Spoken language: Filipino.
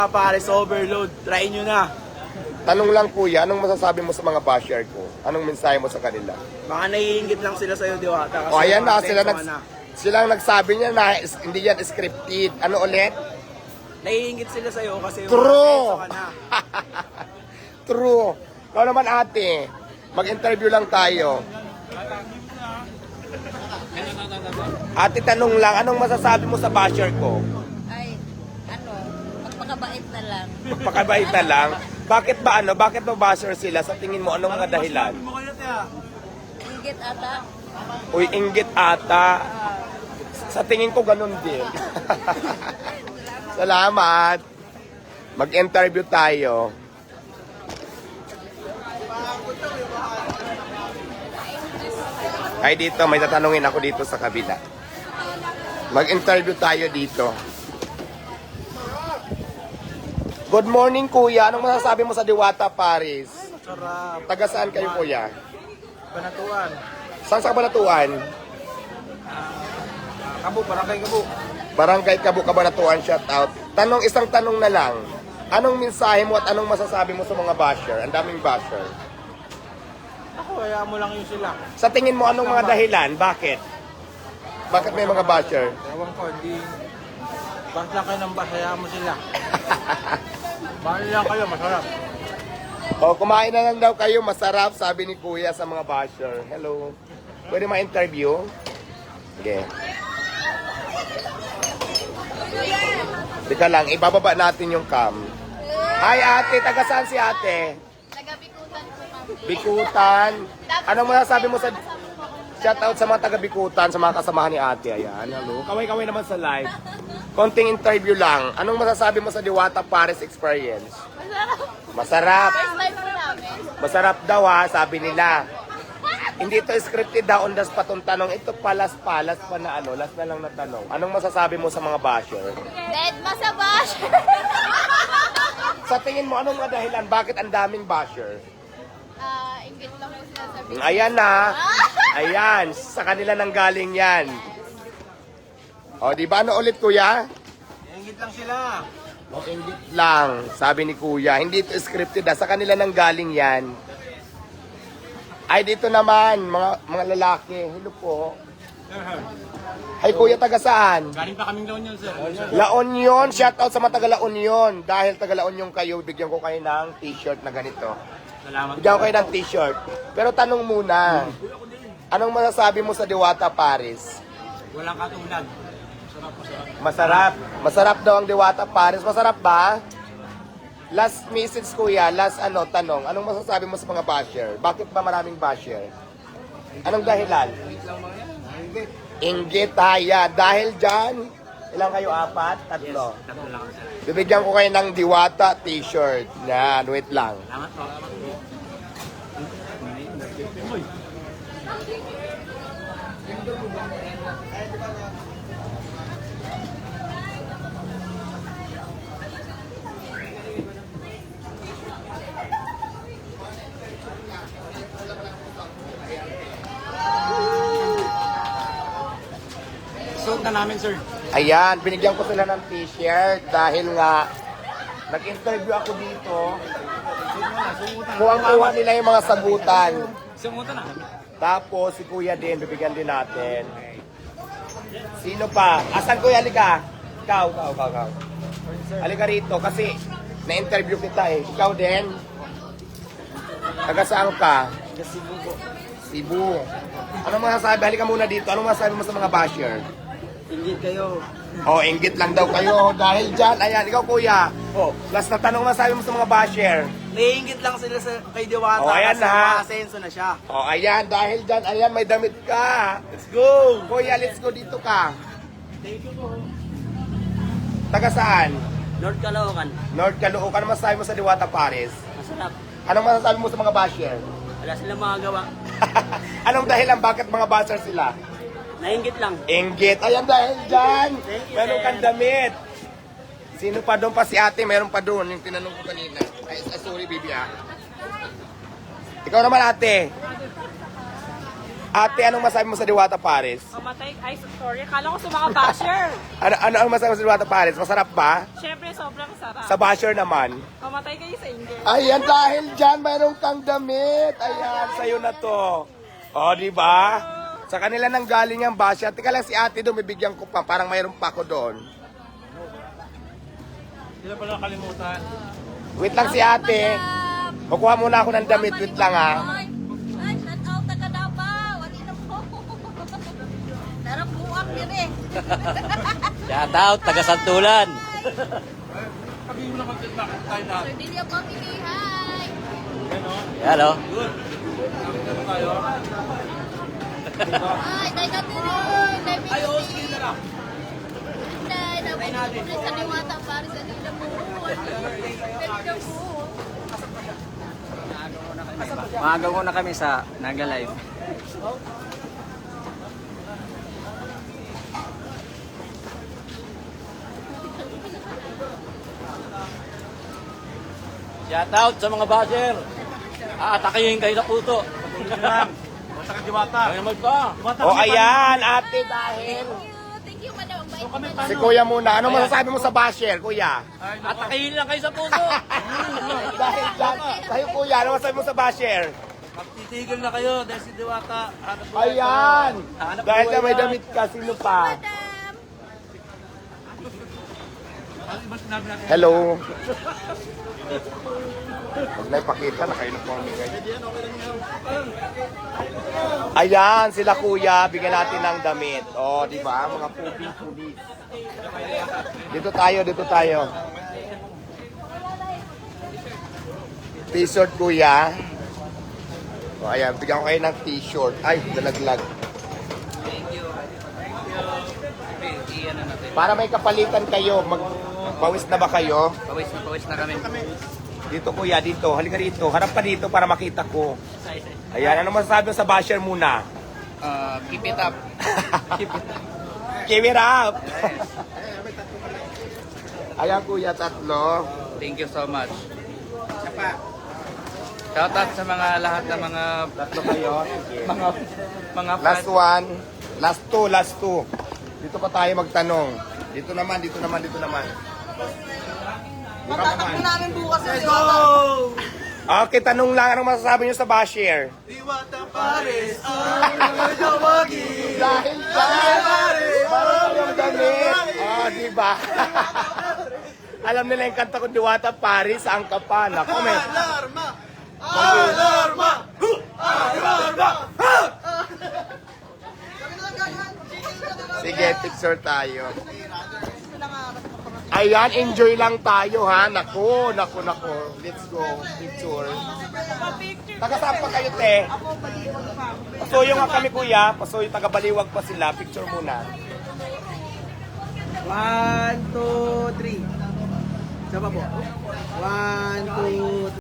Pares overload, try nyo na. Tanong lang kuya, anong masasabi mo sa mga basher ko? Anong mensahe mo sa kanila? Baka naiingit lang sila sa'yo, Diwata. Kasi O ayan na, mga silang nagsabi niya na hindi yan scripted. Ano ulit? naiingit sila sa'yo kasi True! ka na. True. Ikaw naman ate, mag-interview lang tayo. Ate, tanong lang, anong masasabi mo sa basher ko? Ay, magpakabait na lang. Magpakabait na lang. Bakit ba bakit ba basher sila? Sa tingin mo, anong mga dahilan? Ingit ata. Uy, inggit ata. Sa tingin ko, ganun din. Salamat. Mag-interview tayo. Ay, dito, may tatanungin ako dito sa kabila. Mag-interview tayo dito. Good morning, kuya. Anong masasabi mo sa Diwata, Paris? Sarap. Taga saan kayo, kuya? Banatuan. Saan sa Kabanatuan? Kabu, barangay Kabu. Barangay Kabu, Kabanatuan, shout out. Isang tanong na lang. Anong mensahe mo at anong masasabi mo sa mga basher? Ang daming basher. Ako, kaya mo lang yun sila. Sa tingin mo, anong mga dahilan? Bakit? Bakit may mga basher? Ewan ko, hindi... Bas lang kayo ng bas, kaya mo sila. Bali lang kayo, masarap. O, kumain na lang daw kayo, masarap, sabi ni kuya sa mga basher. Hello. Pwede ma-interview? Sige. Teka lang, ibababa natin yung cam. Hi ate, taga saan si ate? Taga-Bikutan po kami. Bikutan. Anong masasabi mo sa... Shout out sa mga taga-Bikutan, sa mga kasamahan ni ate. Ayan, hello. Kaway-kaway naman sa live. Konting interview lang. Anong masasabi mo sa Diwata Paris experience? Masarap. Masarap. First time po namin. Masarap daw ha, sabi nila. Hindi ito scripted daw on the spot ang tanong. Ito palas-palas pa na last na lang na tanong. Anong masasabi mo sa mga basher? Dead masabash. Sa tingin mo, anong mga dahilan? Bakit ang daming basher? Ingit lang po sila sa business. Ayan na. Ayan, sa kanila nang galing yan. O, di ba? Ano ulit, kuya? Ingit lang sila. Ingit lang, sabi ni kuya. Hindi ito scripted ha. Sa kanila nang galing yan. Ay, dito naman, mga lalaki. Hello po. Ay, kuya, taga saan? Galing pa kaming doon yun, sir. La Union, shout out sa mga taga La Union. Dahil taga La Union kayo, bigyan ko kayo ng t-shirt na ganito. Salamat. Bigyan ko kayo ng t-shirt. Pero tanong muna, anong masasabi mo sa Diwata Paris? Walang katulad. Masarap. Masarap daw ang Diwata Paris. Masarap ba? Last message kuya, last tanong. Anong masasabi mo sa mga basher? Bakit ba maraming basher? Anong dahilan? Inggit haya. Dahil dyan, ilang kayo? 4? 3? Tatlo lang, sir. Bibigyan ko kayo ng Diwata t-shirt. Yan, wait lang. Salamat po. Suot na namin, sir. Ayan, binigyan ko sila ng t-shirt dahil nga nag-interview ako dito. Kuwang-kuha nila yung mga sagutan. Sumuta na. Tapos si kuya din, bibigyan din natin. Sino pa? Asan kuya, halika? Ikaw. Halika rito kasi na-interview kita eh. Ikaw din? Taga saan ka? Cebu po. Cebu. Anong masasabi? Halika muna dito. Anong masasabi mo sa mga basher? Ingit kayo. Oh, inggit lang daw kayo. Dahil dyan, ayan, ikaw kuya. Oh, last na tanong masasabi mo sa mga basher. Naiingit lang sila kay Diwata Oh, ayan kasi na. makasenso na siya. Oh, ayan, dahil dyan, ayan, may damit ka. Let's go! Kuya, let's go dito ka. Thank you po. Taga saan? North Caloocan. North Caloocan. Ano masasabi mo sa Diwata Paris? Masarap. Anong masasabi mo sa mga basher? Wala silang mga gawa. Anong dahilan bakit mga basher sila? Naingit lang. Inggit. Ayan, dahil dyan. Thank you, Meron sir. kang damit. Sino pa doon pa si ate? Meron pa doon. Yung tinanong ko kanina. Ay, sorry, baby ah. Ikaw naman ate. Ate, anong masabi mo sa Diwata Paris? Mamatay, ay sorry, akala ko sa mga basher. Ano masabi mo sa Diwata Paris? Masarap ba? Siyempre, sobrang sarap. Sa basher naman. Mamatay kayo sa inggit. Ayan, dahil dyan, mayroon kang damit. Ayan, sa'yo na to. O, di ba? Sa kanila nang galing ang basher. Tika lang si ate doon, bibigyan ko pa. Parang mayroon pa ako doon. Hindi na pala nakalimutan. Wait lang si ate. Kukuha muna ako ng damit. Wait lang ha. Ay, shout out taga Davao. Ano na po? Darang buwak din eh. Shout out, taga Santulan. Sabi mo naman din bakit tayo na. Sir Delia Family, hi! Hello. Good. Ano tayo? Hi, tayo natin rin. Ay, oo, sige na lang. Nay, nabubuhay sa Diwata para sa Dila mo. Dila mo. Maaga ko na kami sa Naga Live. Shout out sa mga basher. Aatakihin kayo sa puto. Basta ka Diwata. Ay naman pa. O, ayan, ate, dahil. Thank you, madam. Bye. Si kuya muna. Ano masasabi mo sa basher, kuya? Atakihin lang kayo sa puto. Dahil dyan, sa'yo kuya, ano masasabi mo sa basher? Magtitigil na kayo dahil si Diwata. hanap buhay Ayan! Hanap Dahil buhay na may yan. damit ka, sino pa? Madam. tayo. Ano ba sinabi natin? Hello? Huwag na ipakita na kayo na po amigay. Ayan, sila kuya, bigyan natin ng damit. O, di ba? Mga pulis. Dito tayo. T-shirt kuya. O, ayan, bigyan ko kayo ng t-shirt. Ay, dalaglag. Para may kapalitan kayo, magpawis na ba kayo? Pawis na kami. Dito kuya, dito. Halika dito. Harap ka dito para makita ko. Ayan, ano masasabi mo sa basher muna? Keep it up. Keep it up! Ayan kuya, tatlo. Thank you so much. Shout out sa mga lahat ng mga Tatlo kayo. Sige. mga Last fans. one. Last two. Dito pa tayo magtanong. Dito naman. Dito ka naman. Let's go! Okay, tanong lang. Anong masasabi nyo sa basher? Diwata Paris, ang nagawagi. Dahil marami yung damit. Oh, di ba? Alam nila yung kanta ko, Diwata Paris, ang kapan. Ako, may... Alarma! Alarma! Alarma! Sige, picture tayo. Ayan, enjoy lang tayo, ha? Naku. Let's go. Picture. Taga saan pa kayo, te? Pasuyo nga kami, kuya. Pasuyo, taga Baliwag pa sila. Picture muna. 1, 2, 3. Saba po. 1, 2,